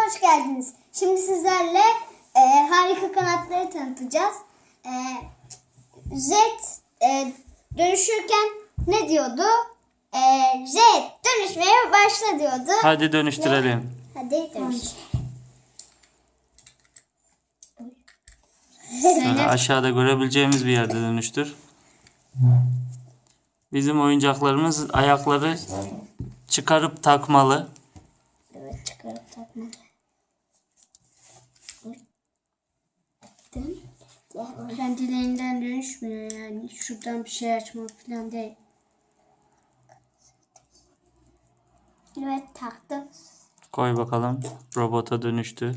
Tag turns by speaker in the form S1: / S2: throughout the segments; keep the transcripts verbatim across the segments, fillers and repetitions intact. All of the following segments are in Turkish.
S1: hoş geldiniz. Şimdi sizlerle e, harika kanatları tanıtacağız. E, Jet e, dönüşürken ne diyordu? E, Jet dönüşmeye başla diyordu.
S2: Hadi dönüştürelim.
S1: Hadi dönüş.
S2: Şöyle aşağıda görebileceğimiz bir yerde dönüştür. Bizim oyuncaklarımız ayakları çıkarıp takmalı.
S1: Evet, çıkarıp takmalı.
S3: Kendiliğinden dönüşmüyor yani. Şuradan bir şey açmak falan değil.
S1: Evet, taktım.
S2: Koy bakalım. Robota dönüştü.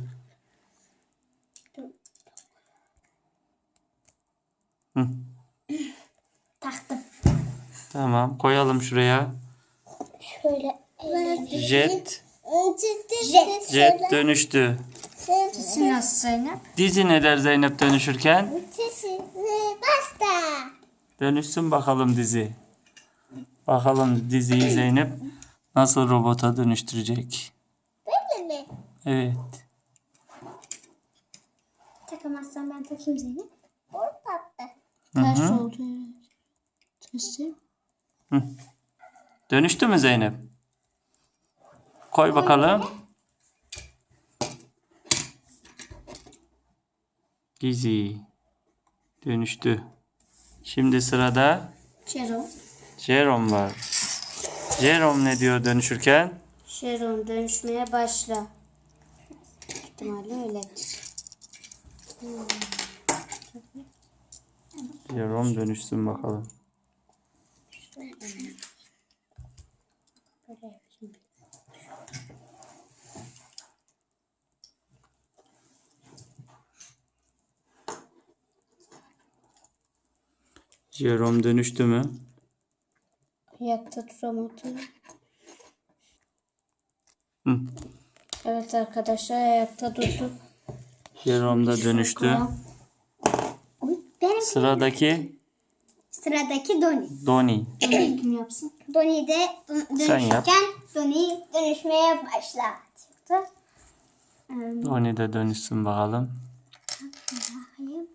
S2: Hı.
S1: Taktım.
S2: Tamam, koyalım şuraya.
S1: Şöyle.
S2: Jet
S1: Jet.
S2: Jet dönüştü.
S3: Sesi nasıl Zeynep?
S2: Dizi ne der Zeynep dönüşürken?
S1: Basta.
S2: Dönüşsün bakalım dizi. Bakalım diziyi Zeynep nasıl robota dönüştürecek?
S1: Böyle mi?
S2: Evet.
S1: Takamazsan ben takayım Zeynep. Orada.
S2: Hı
S3: Ters
S2: hı.
S3: oldu. Sesi.
S2: Hı. Dönüştü mü Zeynep? Koy bakalım. Dizi dönüştü. Şimdi sırada
S3: Jerome.
S2: Jerome var. Jerome ne diyor dönüşürken?
S3: Jerome dönüşmeye başla. İhtimalle öyledir.
S2: Jerome dönüşsün bakalım. Jerome dönüştü mü?
S3: Ayakta duramadı.
S2: Hı.
S3: Evet arkadaşlar ayakta durdu.
S2: Jerome da dönüştü.
S3: Bakalım.
S1: Benim
S2: Sıradaki
S1: sıradaki Doni.
S2: Donnie.
S3: Bunu kim yapsın?
S1: Doni de dön-
S2: Sen yap.
S1: dönüşürken Doni dönüşmeye başla diyordu.
S2: Donnie de dönüşsün bakalım.
S1: Bakayım.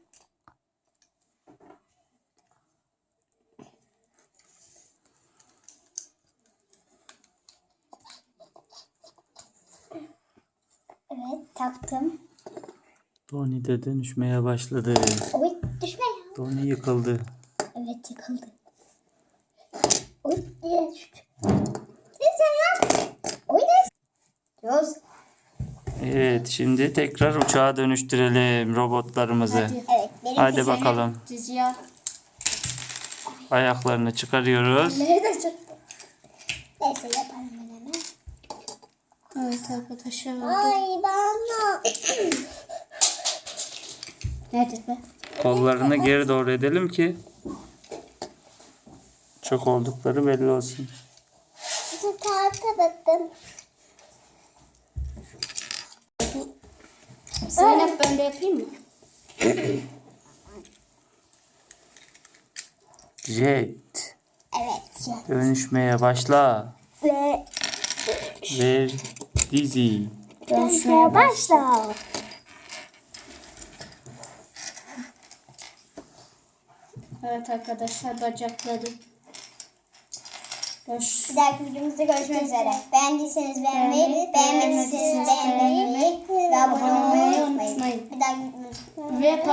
S1: Evet, taktım.
S2: Donnie de dönüşmeye başladı.
S1: Oy, düşme ya.
S2: Donnie yıkıldı.
S1: Evet, yıkıldı. Oy, diye düştü. Sen yap. Oy, ne? Diyoruz.
S2: Evet, şimdi tekrar uçağa dönüştürelim robotlarımızı.
S3: Hadi.
S1: Evet, benim
S2: Hadi
S1: güzel-
S2: bakalım.
S3: Diziyi al.
S2: Ayaklarını çıkarıyoruz.
S1: Nerede çıktı? Neyse, yapalım ben hemen.
S3: Evet arkadaşlar oldu.
S1: Ay, bana.
S3: Nedir be?
S2: Kollarını geri doğru edelim ki çok oldukları belli olsun.
S1: Bu kağıta baktım.
S3: Zeynep ben de yapayım mı?
S2: Jet
S1: Evet. ya.
S2: dönüşmeye başla.
S1: Ve
S2: Ve dizi.
S1: dönüşmeye başla.
S3: Evet arkadaşlar bacakları. Görüş.
S1: Bir dahaki videomuzda görüşmek üzere. Beğendiyseniz beğenmeyi, beğenmediyseniz beğenmeyi ve abone olmayı unutmayın. Bir dahaki videomuzda.
S3: Ve